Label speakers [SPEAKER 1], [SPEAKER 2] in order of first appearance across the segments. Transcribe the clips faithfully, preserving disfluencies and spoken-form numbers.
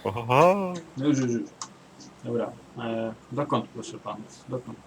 [SPEAKER 1] Oho.
[SPEAKER 2] No już, już, już. Dobra. E, dokąd, proszę panów? Dokąd?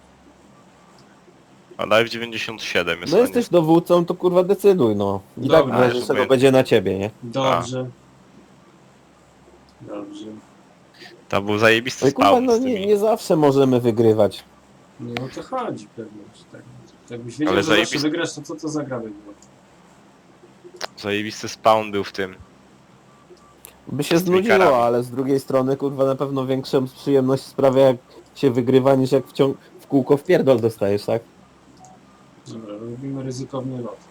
[SPEAKER 1] A live dziewięćdziesiąt siedem jest,
[SPEAKER 3] No
[SPEAKER 1] a nie...
[SPEAKER 3] jesteś dowódcą, to kurwa decyduj, no. I tak
[SPEAKER 2] Dobra.
[SPEAKER 3] w razie
[SPEAKER 1] A,
[SPEAKER 3] czego
[SPEAKER 1] żeby-
[SPEAKER 3] będzie na ciebie, nie?
[SPEAKER 2] Dobrze. Dobrze.
[SPEAKER 1] To był zajebisty
[SPEAKER 3] No i kurwa,
[SPEAKER 1] spawn
[SPEAKER 3] no
[SPEAKER 1] z
[SPEAKER 3] nie,
[SPEAKER 1] tymi.
[SPEAKER 3] nie zawsze możemy wygrywać.
[SPEAKER 2] No o to chodzi pewnie. że Tak. Jakbyś wiedział,
[SPEAKER 1] Ale
[SPEAKER 2] że zawsze
[SPEAKER 1] zajebisty-
[SPEAKER 2] wygrasz, to co to za gra by było?
[SPEAKER 1] Zajebisty spawn był w tym.
[SPEAKER 3] By się
[SPEAKER 1] Z tymi karami.
[SPEAKER 3] znudziło, ale z drugiej strony kurwa na pewno większą przyjemność sprawia jak się wygrywa niż jak w, ciąg w kółko w pierdol dostajesz, tak?
[SPEAKER 2] Dobra, robimy ryzykowny lot.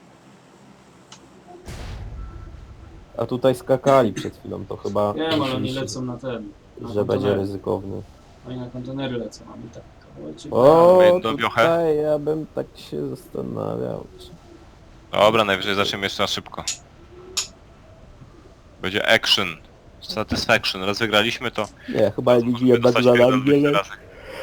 [SPEAKER 3] A tutaj skakali przed chwilą, to chyba
[SPEAKER 2] Nie wiem, ale oni
[SPEAKER 3] myślisz,
[SPEAKER 2] lecą na ten. Na
[SPEAKER 3] że będzie
[SPEAKER 2] kontenery.
[SPEAKER 3] ryzykowny.
[SPEAKER 2] Oni na kontenery lecą, a my tak kawałeczek.
[SPEAKER 3] O,
[SPEAKER 1] jedną wiochę?
[SPEAKER 3] tutaj ja bym tak się zastanawiał. Czy...
[SPEAKER 1] Dobra, najwyżej zaczniemy jeszcze na szybko. Będzie action. Satisfaction. Raz wygraliśmy to...
[SPEAKER 3] Nie, chyba
[SPEAKER 1] możemy
[SPEAKER 3] Ligi jednak
[SPEAKER 1] dostać
[SPEAKER 3] za
[SPEAKER 1] pierdol
[SPEAKER 3] nami
[SPEAKER 1] dwadzieścia
[SPEAKER 3] nie le...
[SPEAKER 1] razy.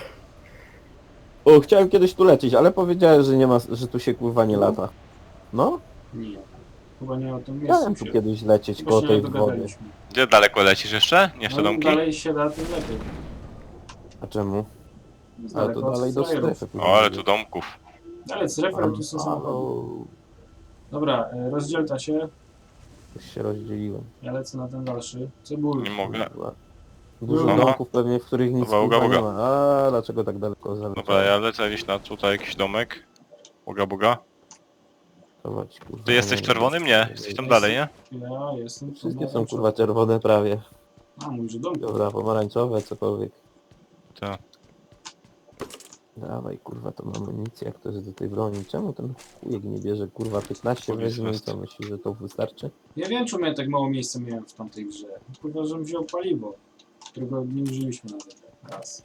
[SPEAKER 3] O, chciałem kiedyś tu lecieć, ale powiedziałem, że nie ma, że tu się kurwa nie lata. No,
[SPEAKER 2] Nie. Chyba nie o tym
[SPEAKER 3] chciałem
[SPEAKER 2] miejscu
[SPEAKER 3] tu
[SPEAKER 2] się.
[SPEAKER 3] kiedyś lecieć
[SPEAKER 2] Chyba
[SPEAKER 3] koło
[SPEAKER 2] się
[SPEAKER 3] tej
[SPEAKER 2] nie
[SPEAKER 3] wody.
[SPEAKER 2] dogadaliśmy.
[SPEAKER 1] Gdzie daleko lecisz jeszcze? Nie w te
[SPEAKER 2] No, im
[SPEAKER 1] domki?
[SPEAKER 2] dalej się da, tym lepiej.
[SPEAKER 3] A czemu?
[SPEAKER 2] Z
[SPEAKER 3] Ale
[SPEAKER 2] daleko
[SPEAKER 3] to
[SPEAKER 2] od
[SPEAKER 3] dalej do
[SPEAKER 2] frajerów.
[SPEAKER 3] strefy.
[SPEAKER 1] O, ale tu domków.
[SPEAKER 2] Ale z referem tu są samochody.
[SPEAKER 3] O,
[SPEAKER 2] Dobra, e, rozdzielta się.
[SPEAKER 3] już się rozdzieliłem.
[SPEAKER 2] Ja lecę na ten dalszy. Cebul.
[SPEAKER 1] Nie mogę.
[SPEAKER 3] Kurwa. Dużo
[SPEAKER 1] Aha.
[SPEAKER 3] domków pewnie, w których nic
[SPEAKER 1] Dobra, uga,
[SPEAKER 3] kurwa nie
[SPEAKER 1] uga.
[SPEAKER 3] ma. A dlaczego tak daleko zaleciałem?
[SPEAKER 1] Dobra, ja lecę gdzieś na tutaj jakiś domek. Boga, boga.
[SPEAKER 3] Chować, kurwa,
[SPEAKER 1] Ty jesteś
[SPEAKER 3] nie
[SPEAKER 1] w
[SPEAKER 3] wiem.
[SPEAKER 1] czerwonym? Nie. Jesteś tam dalej, nie?
[SPEAKER 2] Ja jestem.
[SPEAKER 3] Wszystkie
[SPEAKER 2] tu
[SPEAKER 3] są
[SPEAKER 2] na-
[SPEAKER 3] kurwa czerwone prawie.
[SPEAKER 2] A, mój, że dom.
[SPEAKER 3] Dobra, pomarańczowe, cokolwiek.
[SPEAKER 1] Tak.
[SPEAKER 3] Dawaj kurwa tą amunicję, jak to jest do tej broni. Czemu ten chujek nie bierze kurwa piętnaście
[SPEAKER 1] Police
[SPEAKER 3] weźmie i
[SPEAKER 1] vest.
[SPEAKER 3] co myśli, że to wystarczy?
[SPEAKER 2] Ja wiem, czemu ja tak mało miejsca miałem w tamtej grze. Kurwa, żebym wziął paliwo, którego nie użyliśmy nawet raz.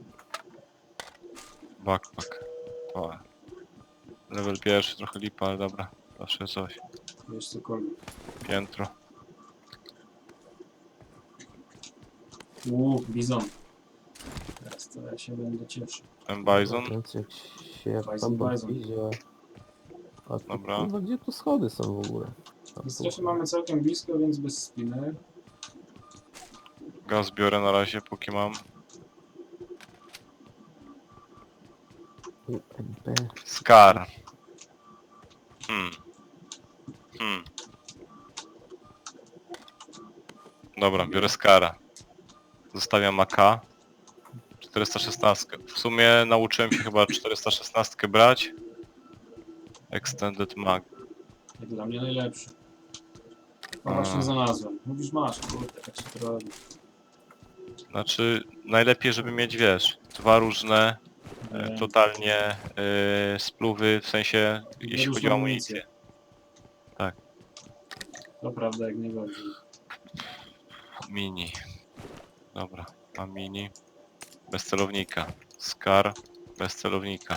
[SPEAKER 1] Backpack. O. Level pierwszy, trochę lipa, ale dobra. Zawsze coś.
[SPEAKER 2] Wiesz, cokolwiek.
[SPEAKER 1] Piętro.
[SPEAKER 2] Uuu, bizon. Teraz to ja się będę cieszył.
[SPEAKER 1] Ten bison.
[SPEAKER 3] Więc jak się jak
[SPEAKER 2] Bison,
[SPEAKER 3] tam
[SPEAKER 2] bison.
[SPEAKER 3] idzie... A tu,
[SPEAKER 1] Dobra.
[SPEAKER 3] kurwa, gdzie tu schody są w ogóle? A
[SPEAKER 2] W
[SPEAKER 3] tu-
[SPEAKER 2] strefie mamy całkiem blisko, więc bez spiny.
[SPEAKER 1] Gaz biorę na razie, póki mam.
[SPEAKER 3] U M P.
[SPEAKER 1] Scar. Hmm. Hmm. Dobra, biorę Skara. Zostawiam A K. czterysta szesnaście. W sumie nauczyłem się chyba czterysta szesnaście brać. Extended Mag.
[SPEAKER 2] Jak dla mnie najlepszy. A
[SPEAKER 1] A.
[SPEAKER 2] właśnie znalazłem. Mówisz, masz, kurde, tak się to robi.
[SPEAKER 1] Znaczy, najlepiej żeby mieć, wiesz, dwa różne, e,
[SPEAKER 2] Nie.
[SPEAKER 1] totalnie e, spluwy, w sensie, jeśli
[SPEAKER 2] różne
[SPEAKER 1] chodzi o
[SPEAKER 2] amunicje.
[SPEAKER 1] amunicję.
[SPEAKER 2] To prawda, jak najbardziej.
[SPEAKER 1] Mini. Dobra, mam mini. Bez celownika. Scar. Bez celownika.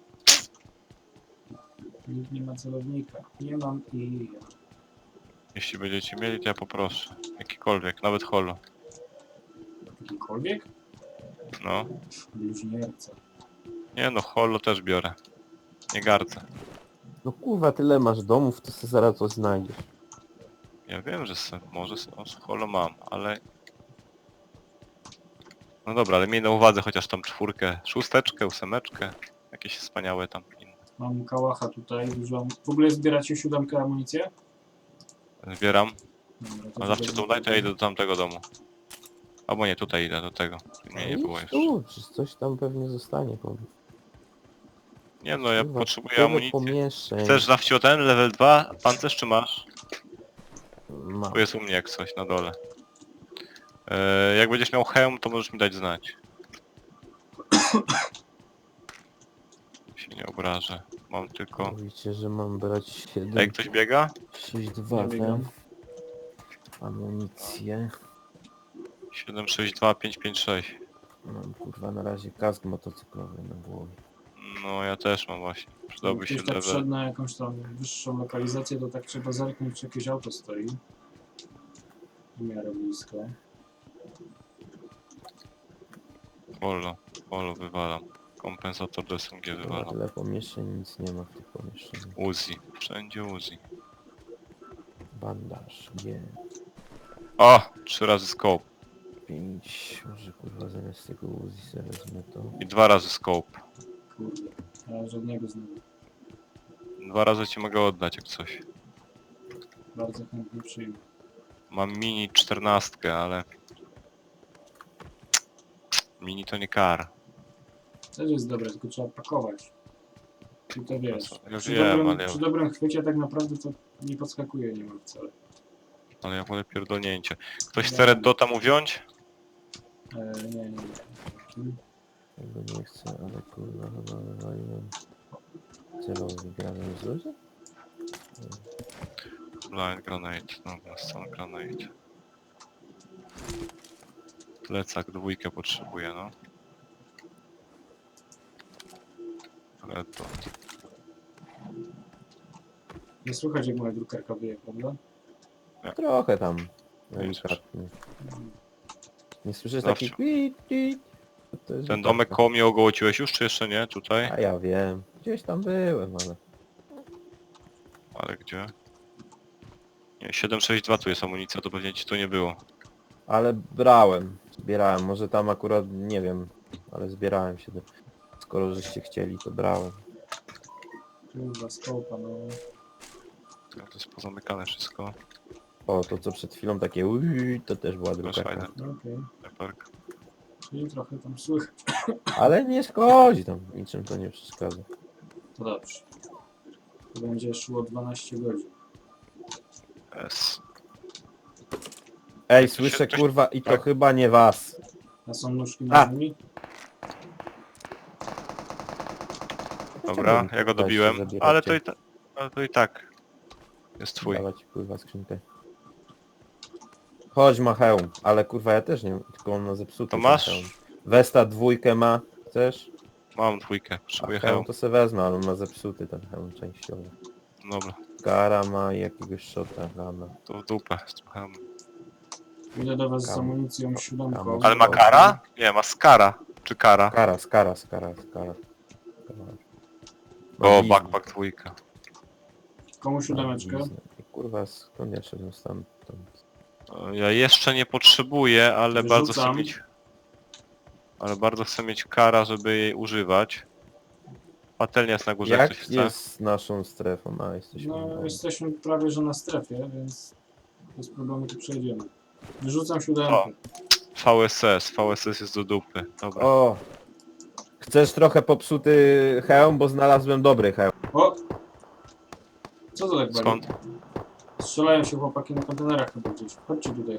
[SPEAKER 2] Nikt nie ma celownika. Nie mam i ja.
[SPEAKER 1] Jeśli będziecie mieli, to ja poproszę. Jakikolwiek, nawet holo.
[SPEAKER 2] Jakikolwiek?
[SPEAKER 1] No.
[SPEAKER 2] Bluźnierca.
[SPEAKER 1] Nie no, holo też biorę. Nie gardzę.
[SPEAKER 3] No kurwa, tyle masz domów, to sobie zaraz coś znajdziesz.
[SPEAKER 1] Ja wiem, że se, może se, o, holo mam, ale... No dobra, ale miej na uwadze chociaż tam czwórkę, szósteczkę, ósemeczkę. Jakieś wspaniałe tam inne.
[SPEAKER 2] Mam kałacha tutaj, dużo. W ogóle zbieracie siódemkę amunicję?
[SPEAKER 1] Zbieram.
[SPEAKER 2] Dobra, to
[SPEAKER 1] A zawsze
[SPEAKER 2] tutaj-
[SPEAKER 1] to daj, to ja idę do tamtego domu. Albo nie, tutaj idę do tego. Nie, nie
[SPEAKER 3] No
[SPEAKER 1] było
[SPEAKER 3] idź
[SPEAKER 1] jeszcze.
[SPEAKER 3] tu, przecież coś tam pewnie zostanie. Powiem.
[SPEAKER 1] Nie no, ja
[SPEAKER 3] Kurwa,
[SPEAKER 1] potrzebuję
[SPEAKER 3] tyle
[SPEAKER 1] amunicji.
[SPEAKER 3] pomieszczeń.
[SPEAKER 1] Chcesz zawsze ten level dwa pancerz czy masz?
[SPEAKER 3] Ma.
[SPEAKER 1] Tu jest u mnie jak coś na dole. Eee, jak będziesz miał hełm, to możesz mi dać znać. Się nie obrażę. Mam tylko...
[SPEAKER 3] Mówicie, że mam brać siedem,
[SPEAKER 1] A jak ktoś biega?
[SPEAKER 3] sześć, dwa,
[SPEAKER 2] Ja biegam.
[SPEAKER 3] amunicję.
[SPEAKER 1] siedem sześć dwa pięć pięć sześć.
[SPEAKER 3] Mam kurwa na razie kask motocyklowy na głowie.
[SPEAKER 1] No ja też mam właśnie. Przydałby się
[SPEAKER 2] Jak ktoś tak
[SPEAKER 1] level.
[SPEAKER 2] wszedł na jakąś tam wyższą lokalizację, to tak trzeba zerknąć, czy jakieś auto stoi. W miarę blisko.
[SPEAKER 1] Polo. Polo wywalam. Kompensator do S M G
[SPEAKER 3] Kurwa,
[SPEAKER 1] wywalam.
[SPEAKER 3] tyle pomieszczeń, nic nie ma w tych pomieszczeniach.
[SPEAKER 1] Uzi. Wszędzie Uzi.
[SPEAKER 3] Bandaż, nie.
[SPEAKER 1] O! Trzy razy scope.
[SPEAKER 3] pięć, może kurwa zamiast tego Uzi sobie wezmę to.
[SPEAKER 1] I dwa razy scope.
[SPEAKER 2] Kurde, ja żadnego znowu.
[SPEAKER 1] Dwa razy ci mogę oddać jak coś.
[SPEAKER 2] Bardzo chętnie przyjmę.
[SPEAKER 1] Mam mini czternastkę, ale... Mini to nie kar.
[SPEAKER 2] Też jest dobre, tylko trzeba pakować. I to wiesz,
[SPEAKER 1] Ja
[SPEAKER 2] przy,
[SPEAKER 1] wiem,
[SPEAKER 2] dobrym,
[SPEAKER 1] ale ja-
[SPEAKER 2] przy dobrym chwycie tak naprawdę to nie podskakuje niemal wcale.
[SPEAKER 1] Ale ja wolę pierdolnięcie. Ktoś chce Red Dota mu wziąć?
[SPEAKER 2] E, nie, nie, nie. Dzięki.
[SPEAKER 3] Tego nie chcę, ale kurwa chyba wywaliłem celowy granat z ludzie?
[SPEAKER 1] Blind grenade, dobra, stun grenade. Plecak dwójkę potrzebuję, no. Red Dot.
[SPEAKER 2] Nie słychać jak moja drukarka wyje, prawda?
[SPEAKER 3] Trochę tam.
[SPEAKER 1] Nie
[SPEAKER 3] Delikatnie. Nie słyszysz
[SPEAKER 1] Zawsze.
[SPEAKER 3] takich kwit, kwit? To jest
[SPEAKER 1] Ten
[SPEAKER 3] wypadka.
[SPEAKER 1] domek koło mnie ogołociłeś już, czy jeszcze nie? Tutaj?
[SPEAKER 3] A ja wiem. Gdzieś tam byłem, ale...
[SPEAKER 1] Ale gdzie? Nie, siedem sześć dwa tu jest amunicja, to pewnie ci tu nie było.
[SPEAKER 3] Ale brałem. Zbierałem. Może tam akurat nie wiem. Ale zbierałem się. Do... Skoro żeście chcieli, to brałem.
[SPEAKER 2] Kurwa, skopa, no.
[SPEAKER 1] To jest pozamykane wszystko.
[SPEAKER 3] O, to co przed chwilą takie ui, to też była
[SPEAKER 1] Flash
[SPEAKER 3] drukarka.
[SPEAKER 1] Rider,
[SPEAKER 2] No okej.
[SPEAKER 1] leperk.
[SPEAKER 2] Czyli trochę tam słychać.
[SPEAKER 3] Ale nie szkodzi tam. Niczym to nie przeszkadza.
[SPEAKER 2] To dobrze. To będzie szło dwanaście godzin.
[SPEAKER 1] S.
[SPEAKER 3] Ej,
[SPEAKER 1] Ktoś-
[SPEAKER 3] słyszę
[SPEAKER 1] ktoś-
[SPEAKER 3] kurwa i to
[SPEAKER 1] tak.
[SPEAKER 3] chyba nie was.
[SPEAKER 2] A są nóżki
[SPEAKER 3] A.
[SPEAKER 2] na ziemi?
[SPEAKER 1] Dobra,
[SPEAKER 3] Czemu
[SPEAKER 1] ja go
[SPEAKER 3] daliście
[SPEAKER 1] dobiłem,
[SPEAKER 3] zabieracie?
[SPEAKER 1] ale to i, ta, ale to i tak jest twój.
[SPEAKER 3] Dawać kurwa skrzynkę. Chodź ma hełm, ale kurwa ja też nie, tylko on ma zepsuty.
[SPEAKER 1] To
[SPEAKER 3] ten
[SPEAKER 1] masz?
[SPEAKER 3] hełm. Westa dwójkę ma, chcesz?
[SPEAKER 1] Mam dwójkę,
[SPEAKER 3] A
[SPEAKER 1] potrzebuję
[SPEAKER 3] hełm
[SPEAKER 1] hełm.
[SPEAKER 3] to se wezmę, ale on ma zepsuty ten hełm częściowo.
[SPEAKER 1] Dobra,
[SPEAKER 3] Kara ma i jakiegoś shota rana.
[SPEAKER 1] to w dupę z tym hełmem.
[SPEAKER 2] Idę do was z
[SPEAKER 3] Kam.
[SPEAKER 2] amunicją siódemką.
[SPEAKER 3] Kam.
[SPEAKER 1] Ale ma kara? Nie, ma skara. Czy kara?
[SPEAKER 3] Kara, skara, skara, skara. skara. Ma
[SPEAKER 1] O,
[SPEAKER 3] bliznę.
[SPEAKER 1] backpack dwójka.
[SPEAKER 2] Komu
[SPEAKER 3] Ma
[SPEAKER 2] siódemeczkę?
[SPEAKER 3] bliznę. I kurwa skąd ja szedłem stamtąd?
[SPEAKER 1] Ja jeszcze nie potrzebuję, ale bardzo chcę
[SPEAKER 2] Wyrzucam.
[SPEAKER 1] mieć... Ale bardzo chcę mieć kara, żeby jej używać. Patelnia jest na górze, jak ktoś
[SPEAKER 3] Jak
[SPEAKER 1] chce.
[SPEAKER 3] jest z naszą strefą? A, jesteśmy
[SPEAKER 2] No,
[SPEAKER 3] no,
[SPEAKER 2] jesteśmy prawie że na strefie, więc bez problemu tu przejdziemy. Wyrzucam
[SPEAKER 1] O.
[SPEAKER 2] siódemkę.
[SPEAKER 1] V S S, V S S jest do dupy. Dobra.
[SPEAKER 3] O! Chcesz trochę popsuty hełm, bo znalazłem dobry hełm.
[SPEAKER 2] O! Co to tak bali?
[SPEAKER 1] Skąd?
[SPEAKER 2] Strzelają się chłopaki na kontenerach chyba gdzieś. Chodźcie tutaj.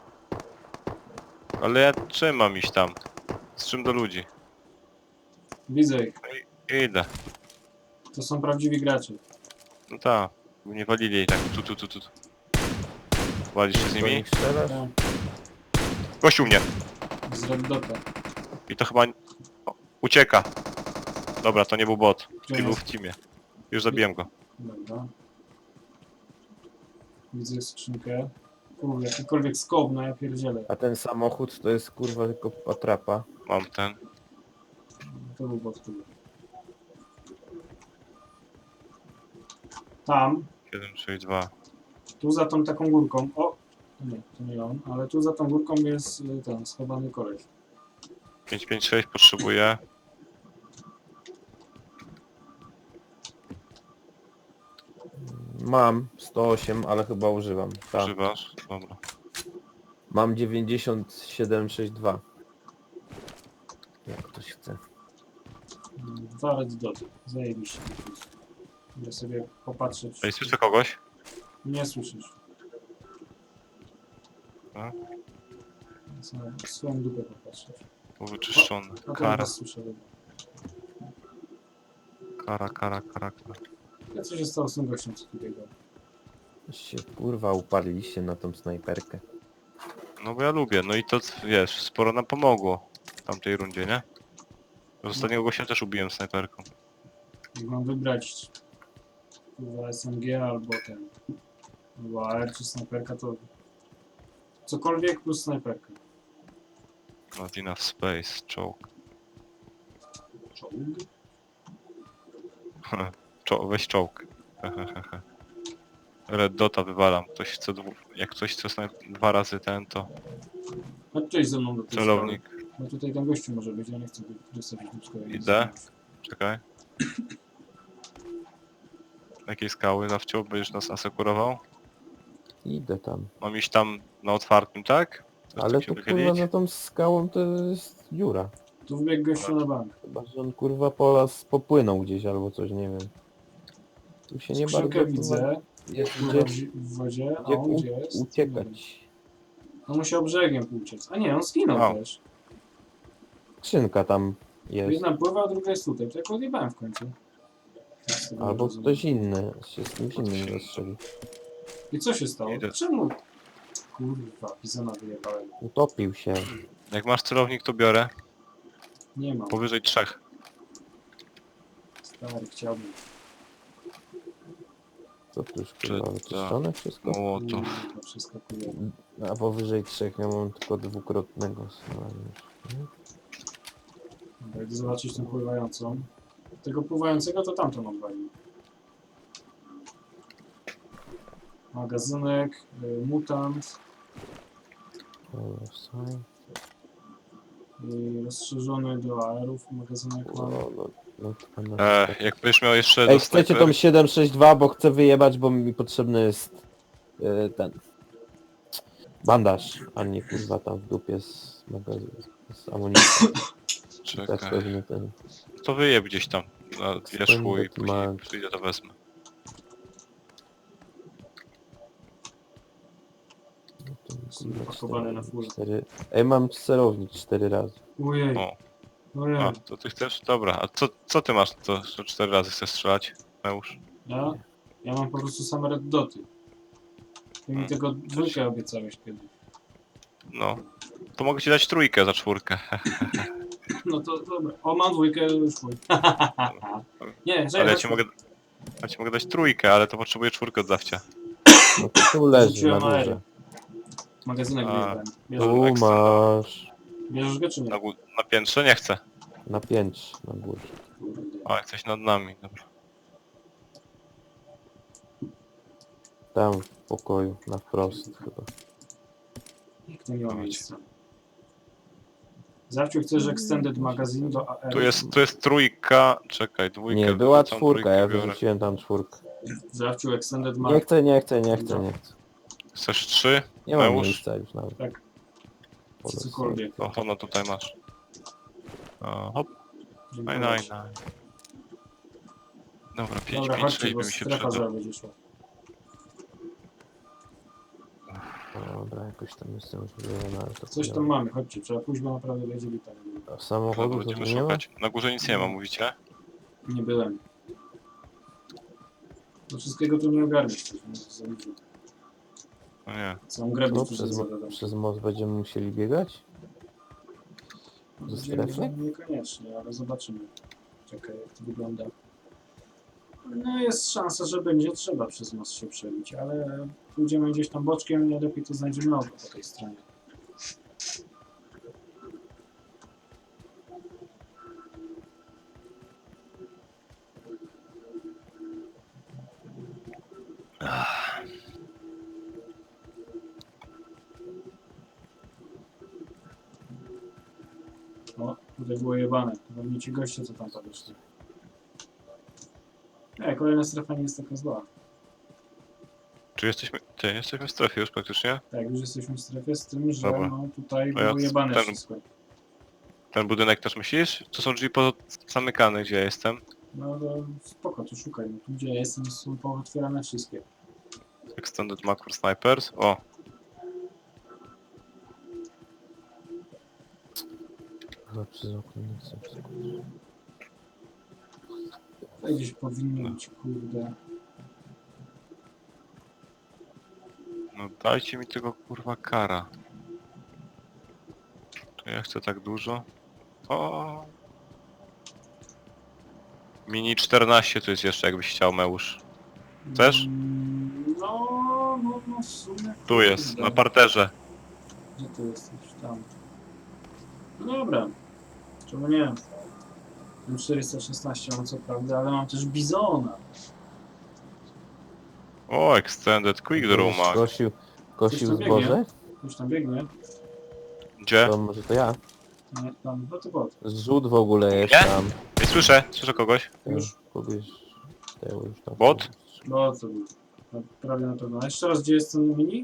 [SPEAKER 1] Ale ja czym mam iść tam? Z czym do ludzi?
[SPEAKER 2] Widzę ich.
[SPEAKER 1] Idę.
[SPEAKER 2] To są prawdziwi gracze.
[SPEAKER 1] No tak. Nie walili jej tak. Tu, tu, tu, tu. tu. Walisz się z
[SPEAKER 3] Do
[SPEAKER 1] nimi?
[SPEAKER 3] nich strzelasz?
[SPEAKER 2] Tak,
[SPEAKER 1] Gościu mnie!
[SPEAKER 2] z Red Dota.
[SPEAKER 1] I to chyba... O, ucieka. Dobra, to nie był bot.
[SPEAKER 2] Gdzie
[SPEAKER 1] I był
[SPEAKER 2] jest?
[SPEAKER 1] w teamie. Już zabiłem go.
[SPEAKER 2] Dobra. Widzę skrzynkę. Kurde, jakikolwiek skop, no ja pierdzielę.
[SPEAKER 3] A ten samochód to jest kurwa tylko atrapa.
[SPEAKER 1] Mam ten.
[SPEAKER 2] To był bot chyba. Tam,
[SPEAKER 1] siedem sześć dwa.
[SPEAKER 2] tu za tą taką górką. O! To nie, to nie on, ale tu za tą górką jest y, ten schowany koleś.
[SPEAKER 1] pięć pięć sześć potrzebuję.
[SPEAKER 3] Mam sto osiem, ale chyba używam. Tak.
[SPEAKER 1] Używasz? Dobra.
[SPEAKER 3] Mam dziewięćdziesiąt siedem sześćdziesiąt dwa. Jak ktoś chce.
[SPEAKER 2] Mm, Dwa Red Doty. Zajebiście. Idę sobie popatrzeć.
[SPEAKER 1] Ej, słyszę kogoś?
[SPEAKER 2] Nie słyszysz.
[SPEAKER 1] A?
[SPEAKER 2] Sobie swoją dupę popatrzeć.
[SPEAKER 1] Był wyczyszczony.
[SPEAKER 2] A to
[SPEAKER 1] Kara,
[SPEAKER 2] was słyszę. dobra.
[SPEAKER 1] kara, kara, kara, kara.
[SPEAKER 2] Ja co się stało z tym gościem, co tutaj był?
[SPEAKER 3] Się kurwa uparliście na tą snajperkę.
[SPEAKER 1] No bo ja lubię, no i to wiesz, sporo nam pomogło w tamtej rundzie, nie? Z ostatniego gościa też ubiłem snajperką.
[SPEAKER 2] Jak mam wybrać chyba S M G albo ten albo A R czy snajperka, to cokolwiek plus snajperka.
[SPEAKER 1] Not enough space, czołg.
[SPEAKER 2] Czołg?
[SPEAKER 1] Czo weź czołg. Red Dota wywalam. Ktoś chce dwu... Jak ktoś chce snaj... dwa razy ten, to...
[SPEAKER 2] Chodź tutaj ze mną do tej
[SPEAKER 1] Celownik.
[SPEAKER 2] skały. Bo tutaj ten gościu może być, ja nie chcę dostać dupsko.
[SPEAKER 1] Idę. Czekaj. Jakiej skały zawciął będziesz nas asekurował?
[SPEAKER 3] Idę tam.
[SPEAKER 1] Mam iść tam na otwartym, tak? Coś
[SPEAKER 3] Ale
[SPEAKER 1] tak się
[SPEAKER 3] to kurwa
[SPEAKER 1] wychylić?
[SPEAKER 3] za tą skałą to jest dziura.
[SPEAKER 2] Tu wbiegł gościu na bank.
[SPEAKER 3] Chyba, że on kurwa po las popłynął gdzieś albo coś, nie wiem. Tu się nie bardzo
[SPEAKER 2] Skrzynkę widzę.
[SPEAKER 3] jest
[SPEAKER 2] Pływa
[SPEAKER 3] gdzie,
[SPEAKER 2] w w wodzie, a
[SPEAKER 3] gdzie
[SPEAKER 2] on
[SPEAKER 3] u,
[SPEAKER 2] gdzie jest?
[SPEAKER 3] uciekać.
[SPEAKER 2] On musiał brzegiem uciec. A nie, on skinął
[SPEAKER 1] O.
[SPEAKER 2] też.
[SPEAKER 3] Skrzynka tam jest.
[SPEAKER 2] Jedna pływa, a druga jest tutaj. To jak odjebałem w końcu. Tak z tego
[SPEAKER 3] Albo
[SPEAKER 2] rozumiem.
[SPEAKER 3] ktoś inny się z kimś innym zastrzeli.
[SPEAKER 2] I co się stało?
[SPEAKER 1] Idę.
[SPEAKER 2] Czemu? Kurwa, Bizona wyjebałem.
[SPEAKER 3] Utopił się.
[SPEAKER 1] Jak masz celownik, to biorę.
[SPEAKER 2] Nie mam.
[SPEAKER 1] Powyżej trzech.
[SPEAKER 2] Stary, chciałbym.
[SPEAKER 3] Co tu już
[SPEAKER 1] Czy
[SPEAKER 3] kurwa
[SPEAKER 1] to-
[SPEAKER 3] wyczyszczone wszystko?
[SPEAKER 1] Młotów.
[SPEAKER 2] Kurwa, przeskakuje.
[SPEAKER 3] A powyżej trzech ja mam tylko dwukrotnego. Hmm?
[SPEAKER 2] Dobra, idę zobaczyć tę pływającą. Tego pływającego to tamtą odwalił. Magazynek, y, mutant i rozszerzony do aerów magazynek
[SPEAKER 3] No,
[SPEAKER 2] mam.
[SPEAKER 3] no, no, to na-
[SPEAKER 1] E, jak będziesz miał jeszcze
[SPEAKER 3] Ej,
[SPEAKER 1] do
[SPEAKER 3] chcecie
[SPEAKER 1] snajper-
[SPEAKER 3] tą siedem sześć dwa, bo chcę wyjebać, bo mi potrzebny jest e, ten bandaż, a nie kurwa tam w dupie z magazynu, z amunicji. Tak
[SPEAKER 1] Czekaj.
[SPEAKER 3] pewnie ten.
[SPEAKER 1] To wyjeb gdzieś tam na wierzchu i
[SPEAKER 3] Spędzę
[SPEAKER 1] później
[SPEAKER 3] Max.
[SPEAKER 1] przyjdę to wezmę.
[SPEAKER 3] No to
[SPEAKER 2] Są
[SPEAKER 3] kurwa
[SPEAKER 2] pakowane na
[SPEAKER 3] cztery-
[SPEAKER 2] full.
[SPEAKER 3] cztery. Ej, mam celownik cztery razy.
[SPEAKER 2] Ojej,
[SPEAKER 1] O,
[SPEAKER 2] ojej.
[SPEAKER 1] a, to ty chcesz? Dobra, a co, co ty masz, to że cztery razy chcesz strzelać? Meusz?
[SPEAKER 2] Ja? Ja mam po prostu same red doty. Ty mi
[SPEAKER 1] Hmm.
[SPEAKER 2] tego dwójkę obiecałeś kiedyś.
[SPEAKER 1] No. To mogę ci dać trójkę za czwórkę.
[SPEAKER 2] No to dobra. O, mam dwójkę, już mój. Nie,
[SPEAKER 1] Ale
[SPEAKER 2] czekaj,
[SPEAKER 1] ja
[SPEAKER 2] chodź
[SPEAKER 1] ci
[SPEAKER 2] tu.
[SPEAKER 1] mogę... Ja ci mogę dać trójkę, ale to potrzebuję czwórkę od zawcia.
[SPEAKER 3] No to tu leży na
[SPEAKER 2] Rzuciłem
[SPEAKER 3] górze.
[SPEAKER 2] aery. Magazynek
[SPEAKER 1] A.
[SPEAKER 2] wyjebałem. Bierzesz,
[SPEAKER 3] Tu
[SPEAKER 1] ekstra.
[SPEAKER 3] masz
[SPEAKER 2] bierzesz go czy nie?
[SPEAKER 1] Na, gó- na piętrze nie chcę.
[SPEAKER 3] na piętrze na górze.
[SPEAKER 2] Kurde.
[SPEAKER 1] O, jesteś nad nami, dobra.
[SPEAKER 3] Tam w pokoju, na wprost chyba.
[SPEAKER 2] Jak to nie ma
[SPEAKER 1] Chodź.
[SPEAKER 2] miejsca? Zawciu chcesz extended magazine do A R.
[SPEAKER 1] Tu jest, tu jest trójka... Czekaj, dwójkę...
[SPEAKER 3] Nie, była
[SPEAKER 1] wrzucam,
[SPEAKER 3] czwórka,
[SPEAKER 1] trójkę
[SPEAKER 3] ja
[SPEAKER 1] biorę.
[SPEAKER 3] wyrzuciłem tam czwórkę.
[SPEAKER 2] Zawciu extended
[SPEAKER 3] Nie
[SPEAKER 2] mag.
[SPEAKER 3] chcę, nie chcę, nie chcę, nie chcę.
[SPEAKER 1] Chcesz trzy?
[SPEAKER 3] Nie mam
[SPEAKER 1] Meusz?
[SPEAKER 3] miejsca już nawet.
[SPEAKER 2] Tak.
[SPEAKER 3] Po prostu.
[SPEAKER 2] Cokolwiek.
[SPEAKER 1] O, ono tutaj masz. O, hop,
[SPEAKER 2] Dziękuję.
[SPEAKER 1] naj, naj, naj. Dobra, pięć,
[SPEAKER 2] Dobra,
[SPEAKER 1] pięć,
[SPEAKER 2] chodźcie,
[SPEAKER 1] sześć
[SPEAKER 2] bo
[SPEAKER 1] by mi się
[SPEAKER 2] strefa
[SPEAKER 1] przydał.
[SPEAKER 2] zaraz będzie szła.
[SPEAKER 3] Dobra, jakoś tam jestem już wyjechany, ale to
[SPEAKER 2] Coś tam mamy, chodźcie, trzeba pójść, bo naprawdę będzie lipa.
[SPEAKER 3] A
[SPEAKER 1] No,
[SPEAKER 3] samochodu to
[SPEAKER 1] będziemy
[SPEAKER 3] tu nie ma?
[SPEAKER 1] szukać. Na górze nic nie ma, mówicie?
[SPEAKER 2] Nie byłem. Do wszystkiego tu nie ogarniesz. No, to za dużo.
[SPEAKER 1] No nie.
[SPEAKER 2] Całą grę
[SPEAKER 3] No,
[SPEAKER 2] bym tu
[SPEAKER 3] przez, mo-
[SPEAKER 2] zadał.
[SPEAKER 3] przez most będziemy musieli biegać? do
[SPEAKER 2] Będziemy-
[SPEAKER 3] strefy?
[SPEAKER 2] Niekoniecznie, ale zobaczymy. Czekaj, jak to wygląda. No jest szansa, że będzie trzeba przez most się przebić, ale pójdziemy gdzieś tam boczkiem, najlepiej to znajdziemy nowo po tej stronie. O, tutaj było jebane. To pewnie ci goście, co tam podeszli. Nie, kolejna strefa nie jest taka zła.
[SPEAKER 1] Czy jesteśmy... Ty, jesteśmy w strefie już praktycznie?
[SPEAKER 2] Tak, już jesteśmy w strefie z tym, że
[SPEAKER 1] Dobra.
[SPEAKER 2] no tutaj
[SPEAKER 1] No ja
[SPEAKER 2] było jebane
[SPEAKER 1] ten-
[SPEAKER 2] wszystko.
[SPEAKER 1] Ten budynek też myślisz? To są drzwi pozamykane, gdzie ja jestem.
[SPEAKER 2] No to spoko, to szukaj. No, tu gdzie ja jestem są pootwierane wszystkie.
[SPEAKER 1] Extended Macro Snipers. O,
[SPEAKER 3] Chyba przez okno nie chcę przeskoczyć.
[SPEAKER 2] Tutaj gdzieś powinny być, kurde.
[SPEAKER 1] no dajcie mi tego kurwa kara. To ja chcę tak dużo. O. Mini czternaście tu jest jeszcze, jakbyś chciał, Meusz. Chcesz?
[SPEAKER 2] Mm, No, no, no w sumie.
[SPEAKER 1] Tu jest,
[SPEAKER 2] kurde.
[SPEAKER 1] na parterze.
[SPEAKER 2] Gdzie ty jesteś? Tam. No dobra. Czemu nie? Ten czterysta szesnaście mam co prawda, ale mam też Bizona.
[SPEAKER 1] O, Extended Quick Draw Mag.
[SPEAKER 3] Kosił,
[SPEAKER 2] Coś
[SPEAKER 3] kosił
[SPEAKER 2] tam biegnie.
[SPEAKER 3] zboże?
[SPEAKER 2] Już tam biegnie.
[SPEAKER 1] Gdzie?
[SPEAKER 3] To może to ja.
[SPEAKER 2] Nie, tam, no to bot.
[SPEAKER 3] Zrzut w ogóle jest
[SPEAKER 1] Nie?
[SPEAKER 3] tam.
[SPEAKER 1] Ej, słyszę, słyszę kogoś.
[SPEAKER 2] Już?
[SPEAKER 3] Kogoś... Tego już tam.
[SPEAKER 1] Bot?
[SPEAKER 2] No co był? No, prawie na pewno. A jeszcze raz, gdzie jest ten mini?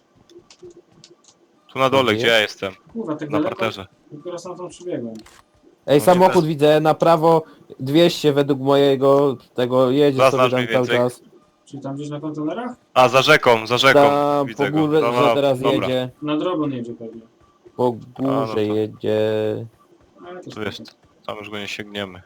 [SPEAKER 1] Tu na dole,
[SPEAKER 3] Gdzie
[SPEAKER 1] gdzie ja jestem?
[SPEAKER 2] Kurwa, tak
[SPEAKER 1] Na
[SPEAKER 2] daleko.
[SPEAKER 1] parterze.
[SPEAKER 2] Dopiero sam tam przybiegłem.
[SPEAKER 3] Ej,
[SPEAKER 1] No,
[SPEAKER 3] samochód
[SPEAKER 1] nie
[SPEAKER 3] widzę na prawo dwieście według mojego tego jedzie
[SPEAKER 1] Zaznacz
[SPEAKER 3] sobie tam
[SPEAKER 1] mniej
[SPEAKER 3] cały
[SPEAKER 1] więcej.
[SPEAKER 3] czas.
[SPEAKER 2] Czyli tam gdzieś na kontenerach?
[SPEAKER 1] A, za rzeką, za rzeką.
[SPEAKER 3] Tam
[SPEAKER 1] Widzę
[SPEAKER 3] po
[SPEAKER 1] go.
[SPEAKER 3] górze
[SPEAKER 1] No, no,
[SPEAKER 3] teraz
[SPEAKER 1] dobra.
[SPEAKER 3] jedzie.
[SPEAKER 2] Na drobę jedzie pewnie.
[SPEAKER 3] Po
[SPEAKER 1] no
[SPEAKER 3] górze
[SPEAKER 1] to-
[SPEAKER 3] jedzie.
[SPEAKER 2] Ale to
[SPEAKER 1] Tu jest, tam już go nie sięgniemy.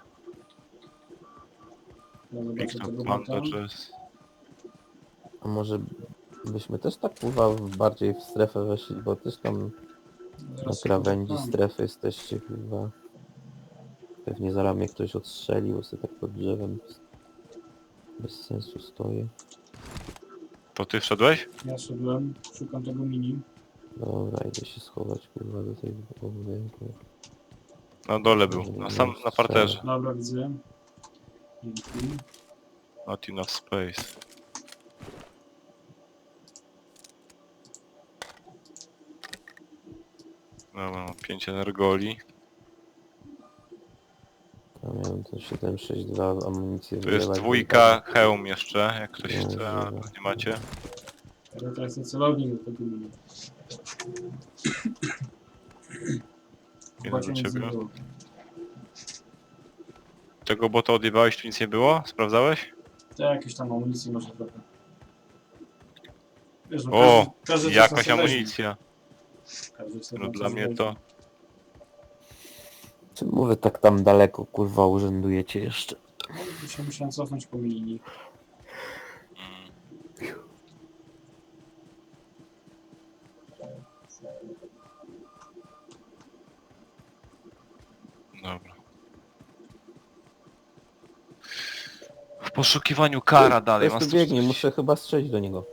[SPEAKER 2] Ja zobaczę
[SPEAKER 1] Victor
[SPEAKER 2] tego
[SPEAKER 1] Panda,
[SPEAKER 2] bota.
[SPEAKER 1] czy jest...
[SPEAKER 3] A może byśmy też tak kurwa w- bardziej w strefę weszli, bo też tam na
[SPEAKER 2] Zaraz się
[SPEAKER 3] krawędzi
[SPEAKER 2] tam.
[SPEAKER 3] strefy jesteście chyba. Pewnie zaraz mnie ktoś odstrzeli, bo sobie tak pod drzewem bez, bez sensu stoję.
[SPEAKER 1] To ty wszedłeś?
[SPEAKER 2] Ja szedłem, szukam tego mini.
[SPEAKER 3] Dobra, idę się schować kurwa do tej budynku.
[SPEAKER 1] Na dole był, na sam, na parterze.
[SPEAKER 2] Dobra, widzę. Dzięki.
[SPEAKER 1] Not enough space. Dobra, mam pięć energoli.
[SPEAKER 3] Ja miałem ten siedem sześć dwa amunicję
[SPEAKER 1] Tu jest
[SPEAKER 3] wylewać,
[SPEAKER 1] dwójka, hełm jeszcze, jak ktoś
[SPEAKER 3] No,
[SPEAKER 1] chce, ale
[SPEAKER 3] dobra.
[SPEAKER 1] nie macie.
[SPEAKER 2] Ale teraz ten celownik do tego mini.
[SPEAKER 1] Ile
[SPEAKER 2] Płacie
[SPEAKER 1] do
[SPEAKER 2] nic nie
[SPEAKER 1] ciebie?
[SPEAKER 2] było.
[SPEAKER 1] Tego bota odjebałeś, tu nic nie było? Sprawdzałeś?
[SPEAKER 2] To jakieś tam amunicji może trochę. Wiesz, no
[SPEAKER 1] O,
[SPEAKER 2] każdy, każdy coś
[SPEAKER 1] jakaś
[SPEAKER 2] tam sobie
[SPEAKER 1] amunicja.
[SPEAKER 2] weźmie. Każdy sobie
[SPEAKER 1] No
[SPEAKER 2] tam
[SPEAKER 1] dla
[SPEAKER 2] coś
[SPEAKER 1] mnie
[SPEAKER 2] weźmie.
[SPEAKER 1] to...
[SPEAKER 3] Czym mówię tak tam daleko kurwa urzędujecie jeszcze?
[SPEAKER 2] No, się musiałem cofnąć po mini.
[SPEAKER 1] Dobra. W poszukiwaniu kara dalej,
[SPEAKER 3] Ktoś
[SPEAKER 1] mam
[SPEAKER 3] tu biegnie, muszę chyba strzelić do niego.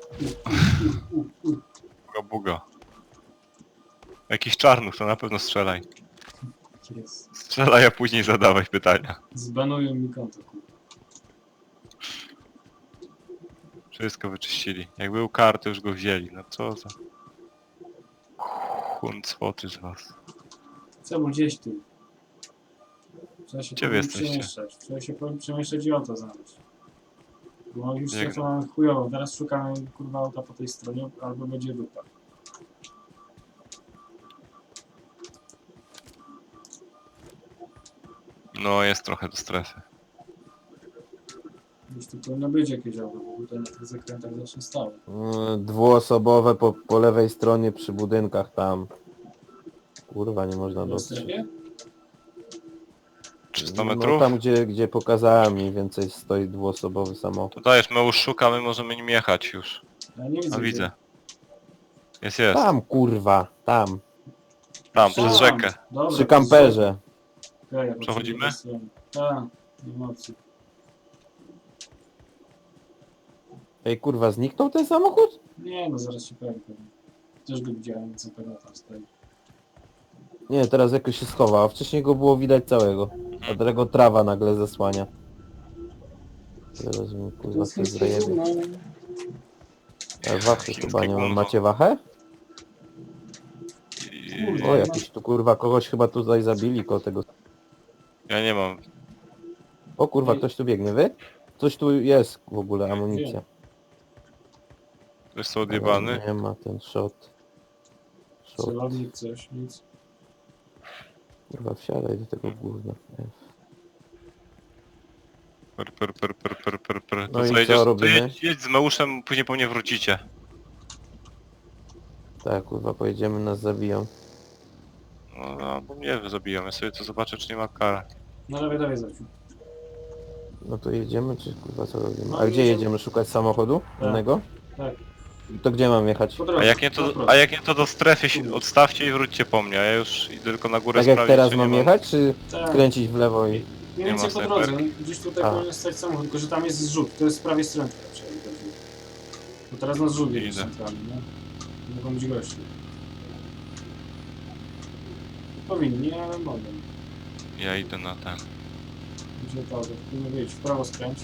[SPEAKER 1] Buga, buga. Jakiś czarnuch, to na pewno strzelaj.
[SPEAKER 2] Jest.
[SPEAKER 1] Strzelaj, a później zadawaj pytania.
[SPEAKER 2] Zbanują mi konto, kurwa.
[SPEAKER 1] Wszystko wyczyścili. Jak był kar, to już go wzięli. No co za... Hunt spoty z was.
[SPEAKER 2] Co, bo gdzieś tu. Trzeba się
[SPEAKER 1] Gdzie wy
[SPEAKER 2] powoli
[SPEAKER 1] jesteście?
[SPEAKER 2] przemieszczać. Trzeba się powoli przemieszczać i auto znaleźć. Bo już
[SPEAKER 1] Jak-
[SPEAKER 2] strefę mamy chujową. Teraz szukamy kurwa auta po tej stronie, albo będzie dupa.
[SPEAKER 1] No, jest trochę do strefy.
[SPEAKER 2] Już tu powinno być jakieś auto, bo tutaj na tych zakrętach zawsze stało.
[SPEAKER 3] Yy, Dwuosobowe po, po lewej stronie przy budynkach tam. Kurwa, nie można
[SPEAKER 2] W
[SPEAKER 3] dotrzeć.
[SPEAKER 2] strefie?
[SPEAKER 1] trzysta
[SPEAKER 3] No
[SPEAKER 1] metrów?
[SPEAKER 3] tam gdzie, gdzie pokazałem mniej więcej stoi dwuosobowy samochód.
[SPEAKER 1] To dajesz, my już szukamy, możemy nim jechać już.
[SPEAKER 2] Ja nie widzę.
[SPEAKER 1] A
[SPEAKER 2] gdzie.
[SPEAKER 1] widzę. Jest, jest.
[SPEAKER 3] Tam kurwa, tam.
[SPEAKER 1] Tam,
[SPEAKER 2] Tam.
[SPEAKER 1] przez rzekę.
[SPEAKER 2] Dobra,
[SPEAKER 3] Przy
[SPEAKER 2] to
[SPEAKER 3] kamperze.
[SPEAKER 2] Okej, ja
[SPEAKER 1] Przechodzimy?
[SPEAKER 2] potrzebuję tej strony. Tak, nie ma opcji.
[SPEAKER 3] Ej kurwa, zniknął ten samochód?
[SPEAKER 2] Nie, no zaraz się pojawi pewnie. Też go widziałem, co pewno tam stoi.
[SPEAKER 3] Nie, teraz jakoś się schował, a wcześniej go było widać całego. Dlatego trawa nagle zasłania. Zaraz mi kurwa się zrejebie.
[SPEAKER 2] no.
[SPEAKER 3] A wachy
[SPEAKER 1] Chińskie
[SPEAKER 3] chyba nie mam.
[SPEAKER 1] gówno.
[SPEAKER 3] Macie wachę?
[SPEAKER 1] I...
[SPEAKER 2] Kurde.
[SPEAKER 3] O, jakiś tu kurwa, kogoś chyba tutaj zabili koło tego.
[SPEAKER 1] Ja nie mam.
[SPEAKER 3] O kurwa, ktoś tu biegnie, wy? Coś tu jest w ogóle, amunicja.
[SPEAKER 1] Ktoś są odjebany.
[SPEAKER 3] Nie ma ten shot. Shot.
[SPEAKER 2] Celownik, coś, nic.
[SPEAKER 3] Kurwa, wsiadaj do tego gówna.
[SPEAKER 1] Per, per, per, per, per, per, per.
[SPEAKER 3] No
[SPEAKER 1] To
[SPEAKER 3] i
[SPEAKER 1] co,
[SPEAKER 3] co
[SPEAKER 1] jedziesz, to
[SPEAKER 3] robimy?
[SPEAKER 1] jedź, jedź z Meuszem, później po mnie wrócicie.
[SPEAKER 3] Tak, kurwa, pojedziemy, nas zabiją.
[SPEAKER 1] No, no bo mnie zabiją, ja sobie to zobaczę, czy nie ma kara.
[SPEAKER 2] No dawaj, dawaj, Zaciu.
[SPEAKER 3] No to jedziemy, czy kurwa co robimy?
[SPEAKER 2] No,
[SPEAKER 3] A gdzie
[SPEAKER 2] jedziemy.
[SPEAKER 3] jedziemy? Szukać samochodu?
[SPEAKER 2] Tak.
[SPEAKER 3] Innego?
[SPEAKER 2] Tak.
[SPEAKER 3] To gdzie mam jechać?
[SPEAKER 2] Po drodze.
[SPEAKER 1] A jak nie
[SPEAKER 2] na
[SPEAKER 1] to,
[SPEAKER 2] prosto.
[SPEAKER 1] a jak nie to do strefy się odstawcie i wróćcie po mnie, a ja już idę tylko na górę
[SPEAKER 3] Tak jak
[SPEAKER 1] sprawdzić,
[SPEAKER 3] teraz
[SPEAKER 1] czy
[SPEAKER 3] mam
[SPEAKER 1] nie
[SPEAKER 3] jechać, czy
[SPEAKER 2] Tak.
[SPEAKER 3] skręcić w lewo i...
[SPEAKER 2] Mniej
[SPEAKER 1] Nie
[SPEAKER 2] więcej
[SPEAKER 1] ma
[SPEAKER 2] po drodze.
[SPEAKER 1] snajperki.
[SPEAKER 2] Gdzieś tutaj
[SPEAKER 3] A.
[SPEAKER 2] powinien stać samochód, tylko że tam jest zrzut. To jest z prawej strony. raczej, dobrze. Bo teraz na zrzut jest
[SPEAKER 1] Idę.
[SPEAKER 2] centralny, nie? Mogą być goście. Powinni, ale mogą.
[SPEAKER 1] Ja idę na ten.
[SPEAKER 2] Gdzie to? Powinno wyjść. W prawo skręć.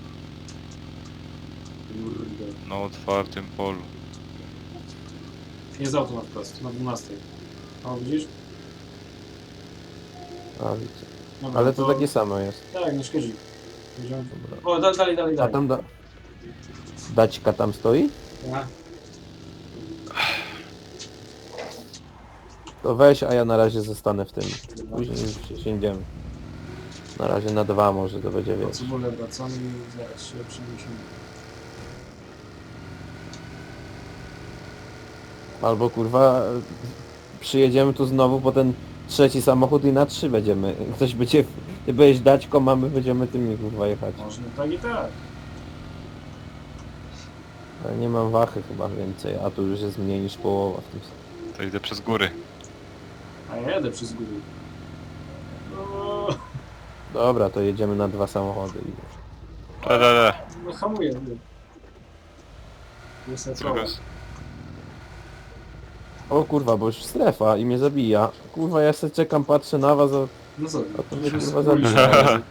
[SPEAKER 2] Kurde.
[SPEAKER 1] Na otwartym polu.
[SPEAKER 2] Jest auto na wprost, na dwunastej. O, widzisz?
[SPEAKER 3] A, widzę.
[SPEAKER 2] Dobra,
[SPEAKER 3] Ale to takie samo jest.
[SPEAKER 2] Tak, nie szkodzi. Będziemy-
[SPEAKER 3] Dobra.
[SPEAKER 2] O, da, dalej, dalej,
[SPEAKER 3] A
[SPEAKER 2] dalej.
[SPEAKER 3] tam da... Daćka tam stoi?
[SPEAKER 2] A,
[SPEAKER 3] To weź, a ja na razie zostanę w tym.
[SPEAKER 2] dobra.
[SPEAKER 3] Później przesiędziemy. Na razie na dwa może to będzie
[SPEAKER 2] Po
[SPEAKER 3] więcej.
[SPEAKER 2] cebulę wracamy i zaraz się przeniesiemy.
[SPEAKER 3] Albo kurwa przyjedziemy tu znowu po ten trzeci samochód i na trzy będziemy. Ktoś będzie... Ty będziesz daćką, a my będziemy tymi kurwa jechać.
[SPEAKER 2] Można tak i tak.
[SPEAKER 3] Ale nie mam wachy chyba więcej, a tu już jest mniej niż połowa w tym.
[SPEAKER 1] To idę przez góry.
[SPEAKER 2] A ja jadę przez góry. O,
[SPEAKER 3] Dobra, to jedziemy na dwa samochody i...
[SPEAKER 1] Le, le, le.
[SPEAKER 2] no hamuję. ty. Jest
[SPEAKER 1] Co
[SPEAKER 2] koło.
[SPEAKER 1] jest?
[SPEAKER 3] O kurwa, bo już strefa i mnie zabija. Kurwa, ja sobie czekam, patrzę na was, a,
[SPEAKER 2] No co?
[SPEAKER 3] a to mnie
[SPEAKER 2] się
[SPEAKER 3] kurwa
[SPEAKER 2] spójrz.
[SPEAKER 3] zabija.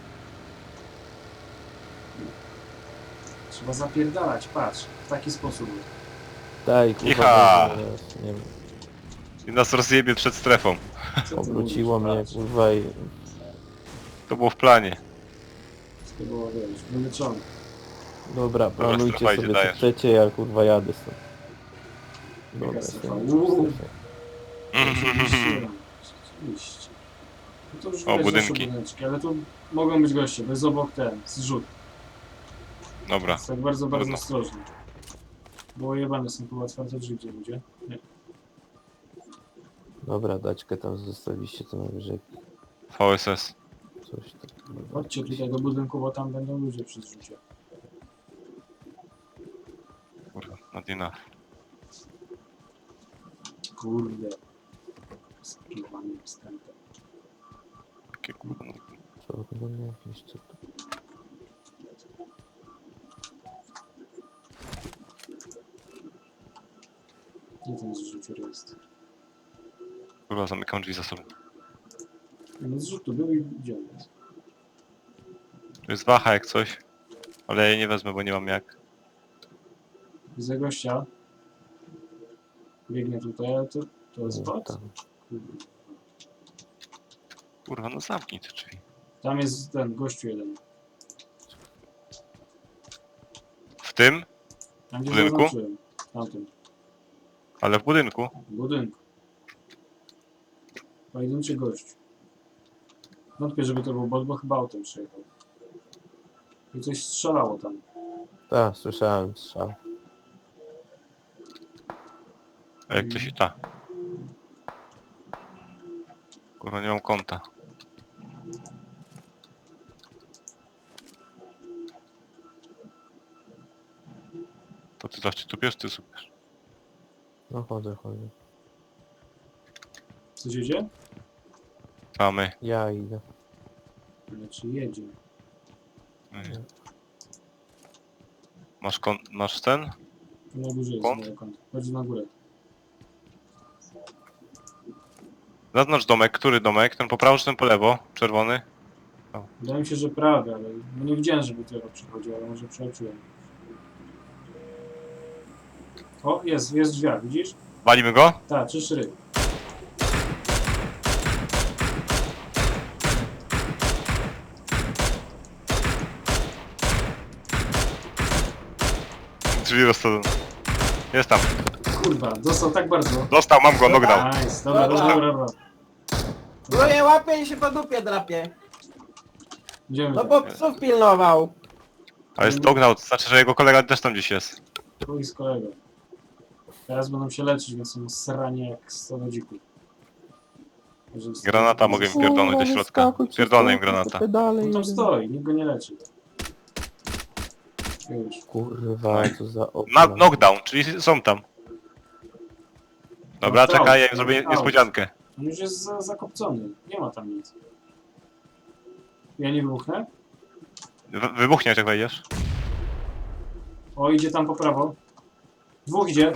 [SPEAKER 2] Trzeba zapierdalać, patrz. W taki sposób.
[SPEAKER 3] Daj, kurwa,
[SPEAKER 1] Icha!
[SPEAKER 3] bo- nie wiem,
[SPEAKER 1] I nas rozjebie przed strefą.
[SPEAKER 2] Co ty
[SPEAKER 3] obróciło
[SPEAKER 2] mówisz?
[SPEAKER 3] mnie,
[SPEAKER 2] Patrz.
[SPEAKER 3] kurwa i...
[SPEAKER 1] To było w planie.
[SPEAKER 2] To było, wiesz, wyleczone.
[SPEAKER 3] Dobra, planujcie
[SPEAKER 1] strefa idzie,
[SPEAKER 3] sobie co
[SPEAKER 1] dajesz.
[SPEAKER 3] chcecie, ja kurwa jadę stąd. Dobra,
[SPEAKER 2] strefa?
[SPEAKER 3] jestem już w
[SPEAKER 2] Uuu.
[SPEAKER 3] strefie.
[SPEAKER 2] Rzeczywiście. Rzeczywiście. No to już
[SPEAKER 1] O,
[SPEAKER 2] widać nasze
[SPEAKER 1] budynki.
[SPEAKER 2] budyneczki, ale tu mogą być goście, to jest obok ten, zrzut.
[SPEAKER 1] Dobra.
[SPEAKER 2] Jest tak bardzo, bardzo
[SPEAKER 1] Trudno.
[SPEAKER 2] ostrożnie. Bo jebane są tu otwarte drzwi, gdzie ludzie. Nie.
[SPEAKER 3] Dobra, daćkę tam zostawiliście, to najwyżej
[SPEAKER 1] V S S.
[SPEAKER 3] coś tam.
[SPEAKER 2] Chodźcie tutaj do budynku, bo tam będą ludzie przy zrzucie.
[SPEAKER 1] Kurwa, not enough.
[SPEAKER 2] Kurde. Skierowanym wstępem.
[SPEAKER 1] Jakie kurwa, no.
[SPEAKER 3] Co to nie jakieś co tu?
[SPEAKER 2] Gdzie ten zrzucior jest?
[SPEAKER 1] Kurwa, zamykam drzwi za sobą.
[SPEAKER 2] No zrzutu był i gdzie on jest?
[SPEAKER 1] Tu jest waha jak coś. Ale ja jej nie wezmę, bo nie mam jak.
[SPEAKER 2] Widzę gościa. Biegnie tutaj, ale to, to jest bot?
[SPEAKER 3] Tam.
[SPEAKER 2] Kurde.
[SPEAKER 1] Kurwa, no zamknij te drzwi.
[SPEAKER 2] Tam jest ten gościu jeden.
[SPEAKER 1] W tym?
[SPEAKER 2] Tam gdzie
[SPEAKER 1] Budynku?
[SPEAKER 2] zaznaczyłem. Tamtym.
[SPEAKER 1] Ale w budynku.
[SPEAKER 2] W budynku. Pojedynczy gość. Wątpię, żeby to był bot, bo chyba autem przyjechał. I coś strzelało tam.
[SPEAKER 3] Tak, słyszałem strzał.
[SPEAKER 1] A jak to się ta? Kurwa, nie mam konta. To ty zawsze tu piesz, ty słuchasz.
[SPEAKER 3] No chodzę, chodzę.
[SPEAKER 2] Coś jedzie?
[SPEAKER 1] Mamy.
[SPEAKER 3] Ja idę.
[SPEAKER 2] Znaczy jedzie.
[SPEAKER 1] Masz kon... masz ten?
[SPEAKER 2] Tu na górze jest
[SPEAKER 1] Kąt?
[SPEAKER 2] moje konto. Chodź na górę.
[SPEAKER 1] Zaznacz domek, który domek? Ten po prawo czy ten po lewo? Czerwony?
[SPEAKER 2] Wydaje mi się, że prawie, ale no nie widziałem, żeby to przychodził, ale może przeoczyłem. O, jest, jest drzwiach, widzisz?
[SPEAKER 1] Walimy go?
[SPEAKER 2] Tak, trzy szry.
[SPEAKER 1] Drzwi rozsadzone. Jest tam.
[SPEAKER 2] Kurwa, dostał tak bardzo.
[SPEAKER 1] Dostał, mam go, knockdown.
[SPEAKER 2] Nice, dobra, dobra, dobra, dobra.
[SPEAKER 4] No nie łapie i się po dupie drapie.
[SPEAKER 2] Idziemy
[SPEAKER 4] No
[SPEAKER 2] tak.
[SPEAKER 4] bo psów pilnował.
[SPEAKER 1] Ale jest knockdown, to znaczy, że jego kolega też tam gdzieś jest.
[SPEAKER 2] Chuj z kolegą. Teraz będą się leczyć, więc są sranie jak sto dzików. Także-
[SPEAKER 1] Granata mogę im pierdolnąć do środka. Pierdolę im granata.
[SPEAKER 2] On tam stoi, nikt go nie leczy. Już.
[SPEAKER 3] Kurwa, co za
[SPEAKER 1] Na
[SPEAKER 3] okna.
[SPEAKER 1] knockdown, czyli są tam. Dobra,
[SPEAKER 2] No to-
[SPEAKER 1] czekaj, ja im zrobię
[SPEAKER 2] to-
[SPEAKER 1] niespodziankę.
[SPEAKER 2] On już jest za, zakopcony. Nie ma tam nic. Ja nie wybuchnę?
[SPEAKER 1] Wy- Wybuchnie, jak wejdziesz.
[SPEAKER 2] O, idzie tam po prawo. Dwóch idzie.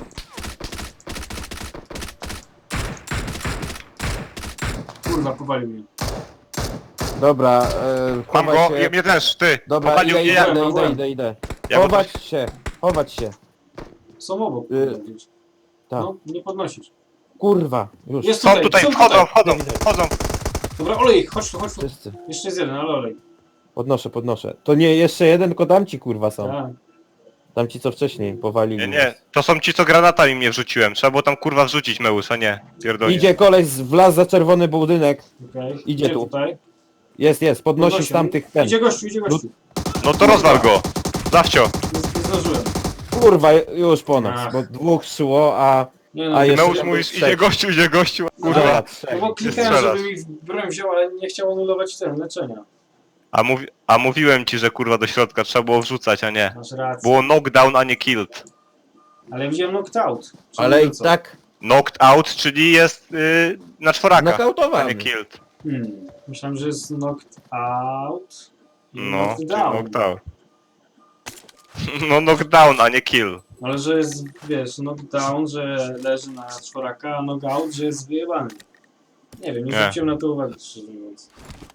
[SPEAKER 2] Kurwa, powalił mnie.
[SPEAKER 3] Dobra, e,
[SPEAKER 1] Mam
[SPEAKER 3] chowaj
[SPEAKER 1] go,
[SPEAKER 3] się.
[SPEAKER 1] i mnie też, ty.
[SPEAKER 3] Dobra,
[SPEAKER 1] Powalił
[SPEAKER 3] idę,
[SPEAKER 1] mnie,
[SPEAKER 3] idę,
[SPEAKER 1] ja.
[SPEAKER 3] idę,
[SPEAKER 2] byłem.
[SPEAKER 3] idę, idę, idę.
[SPEAKER 1] Ja go
[SPEAKER 3] Chować się, chować się.
[SPEAKER 2] Są obok.
[SPEAKER 3] Y-
[SPEAKER 2] kurwa, gdzieś.
[SPEAKER 3] Tak.
[SPEAKER 2] No, nie podnosisz.
[SPEAKER 3] Kurwa, już.
[SPEAKER 2] Jest
[SPEAKER 1] Są
[SPEAKER 2] tutaj,
[SPEAKER 1] tutaj,
[SPEAKER 2] są
[SPEAKER 1] wchodzą,
[SPEAKER 2] tutaj.
[SPEAKER 1] wchodzą, wchodzą.
[SPEAKER 2] Dobra, olej ich, chodź tu, chodź tu.
[SPEAKER 3] Wszyscy.
[SPEAKER 2] Jeszcze jest jeden, ale olej.
[SPEAKER 3] Podnoszę, podnoszę. To nie jeszcze jeden, tylko tamci kurwa są.
[SPEAKER 2] Tak.
[SPEAKER 3] Tamci co wcześniej powalili.
[SPEAKER 1] Nie, nie, to są ci, co granatami mnie wrzuciłem. Trzeba było tam kurwa wrzucić Meus, a nie. Pierdolnie.
[SPEAKER 3] Idzie koleś, z- wlazł za czerwony budynek.
[SPEAKER 2] Okej.
[SPEAKER 3] Idzie tu.
[SPEAKER 2] tutaj.
[SPEAKER 3] Jest, jest, podnosi
[SPEAKER 2] Podnosi.
[SPEAKER 3] z tamtych ten.
[SPEAKER 2] Idzie gościu, idzie gościu.
[SPEAKER 1] No to rozwal go. Zawcio.
[SPEAKER 2] Nie, nie zdążyłem.
[SPEAKER 3] Kurwa, już po nas,
[SPEAKER 2] Ach.
[SPEAKER 3] bo dwóch szło, a...
[SPEAKER 2] Nie no,
[SPEAKER 3] A jeszcze
[SPEAKER 1] Meus
[SPEAKER 3] tam
[SPEAKER 1] mówisz,
[SPEAKER 3] był
[SPEAKER 1] idzie
[SPEAKER 3] trzeci.
[SPEAKER 1] gościu, idzie gościu.
[SPEAKER 3] Kurwa,
[SPEAKER 1] Kurwa.
[SPEAKER 3] trzech.
[SPEAKER 2] no bo klikałem,
[SPEAKER 1] strzelasz.
[SPEAKER 2] żeby mi w broń wziął, ale nie chciał anulować ten leczenia.
[SPEAKER 1] A, mówi, a mówiłem ci, że kurwa do środka trzeba było wrzucać, a nie.
[SPEAKER 2] Masz rację.
[SPEAKER 1] Było knockdown, a nie killed.
[SPEAKER 2] Ale ja widziałem knocked out. Czyli
[SPEAKER 3] Ale
[SPEAKER 2] to
[SPEAKER 3] i
[SPEAKER 2] co?
[SPEAKER 3] tak
[SPEAKER 1] Knocked out, czyli jest yy, na czworaka, a
[SPEAKER 3] nokautowany.
[SPEAKER 1] nie killed.
[SPEAKER 2] Hmm. Myślałem, że jest knocked out. I
[SPEAKER 1] No,
[SPEAKER 2] knocked
[SPEAKER 1] czyli
[SPEAKER 2] down.
[SPEAKER 1] knocked out. No knockdown, a nie kill.
[SPEAKER 2] Ale że jest, wiesz, knockdown, że leży na czworaka, a knockout, że jest wyjebany. Nie wiem, nie
[SPEAKER 1] Nie.
[SPEAKER 2] zwróciłem na to uwagi, szczerze mówiąc.